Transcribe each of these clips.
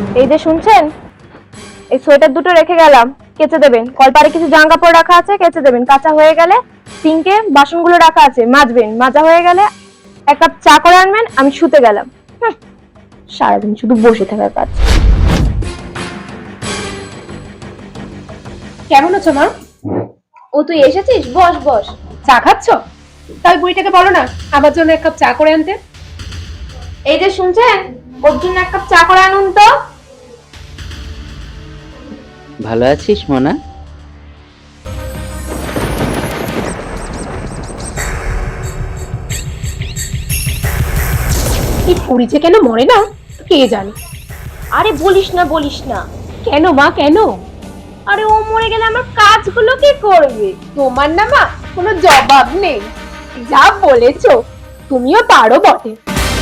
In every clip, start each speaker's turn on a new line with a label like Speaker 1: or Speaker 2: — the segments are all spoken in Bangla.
Speaker 1: এই যে শুনছেন, এই সোয়েটার দুটো রেখে গেলাম, কেচে দেবেন। কলপারে কিছু জামা কাপড় রাখা আছে, কেচে দেবেন। কাঁচা হয়ে গেলে সিঙ্কে বাসনগুলো রাখা আছে, মাজবেন। মাজা হয়ে গেলে এক কাপ চা করে আনবেন, আমি শুতে গেলাম। সারাদিন শুধু বসে থাকার কাজ।
Speaker 2: কেমন আছো মা?
Speaker 1: ও তুই এসেছিস? বস বস।
Speaker 2: চা খাচ্ছ? তাই বুড়িটাকে বলো না আমার জন্য এক কাপ চা করে আনতে।
Speaker 1: এই যে শুনছেন, ওর জন্য এক কাপ চা করে আনুন তো।
Speaker 3: ভালো আছিস মোনা?
Speaker 2: এই বুড়ি যে কেন মরে না কে জানে।
Speaker 1: আরে বলিস না বলিস না।
Speaker 2: কেন মা, কেন?
Speaker 1: আরে ও মরে গেলে আমার কাজগুলো কে করবে?
Speaker 2: তোমার না মা কোনো জবাব নেই। যা বলেছো, তুমিও পারো বটে।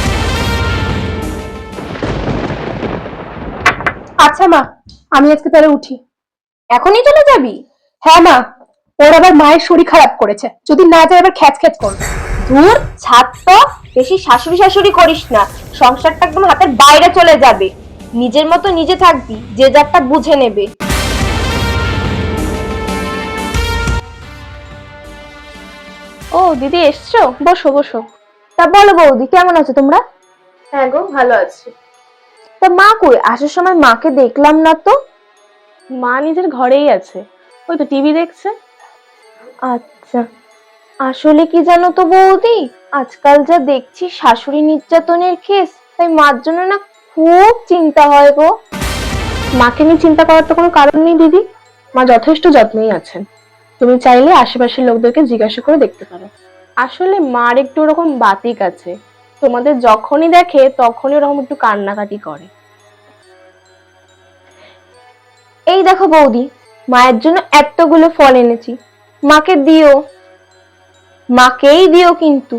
Speaker 2: আচ্ছা মা, আমি আজকে তাহলে উঠি।
Speaker 1: এখনই চলে যাবি?
Speaker 2: হ্যাঁ মা, ওর আবার মায়ের শরীর খারাপ করেছে, যদি না যায় আবার খ্যাচ খ্যাচ করবে।
Speaker 1: ধুর, ছাড় তো। বেশি শাশুড়ি শাশুড়ি করিস না, সংসারটা একদম হাতের বাইরে চলে যাবে। নিজের মতো নিজে থাকবি, যে যারটা বুঝে নেবে। ও দিদি এসছো, বসো বসো। তা বলো বৌদি, কেমন আছো তোমরা?
Speaker 2: হ্যাঁ গো, ভালো আছি।
Speaker 1: তা মা কই? আসার সময় মাকে দেখলাম না তো।
Speaker 2: মা নিজের ঘরেই আছে, ওই তো টিভি দেখছে।
Speaker 1: আচ্ছা, আসলে কি জানো তো বৌদি, আজকাল যা দেখছি শাশুড়ি নির্যাতনের কেস, তাই মার জন্য না খুব চিন্তা হয় গো।
Speaker 2: মাকে নিয়ে চিন্তা করার তো কোনো কারণ নেই দিদি, মা যথেষ্ট যত্নেই আছেন। তুমি চাইলে আশেপাশের লোকদেরকে জিজ্ঞাসা করে দেখতে পারো। আসলে মার একটু ওরকম বাতিক আছে, তোমাদের যখনই দেখে তখনই ওরকম একটু কান্নাকাটি করে।
Speaker 1: এই দেখো বৌদি, মায়ের জন্য এতগুলো ফল এনেছি, মাকে দিও, মাকেই দিও কিন্তু।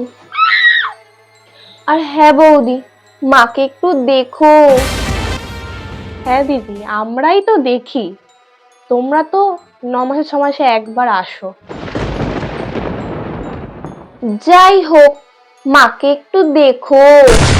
Speaker 1: আর হ্যাঁ বৌদি, মাকে একটু দেখো।
Speaker 2: হ্যাঁ দিদি, আমরাই তো দেখি, তোমরা তো 9 মাসে 6 মাসে একবার আসো।
Speaker 1: যাই হোক, মাকে একটু দেখো।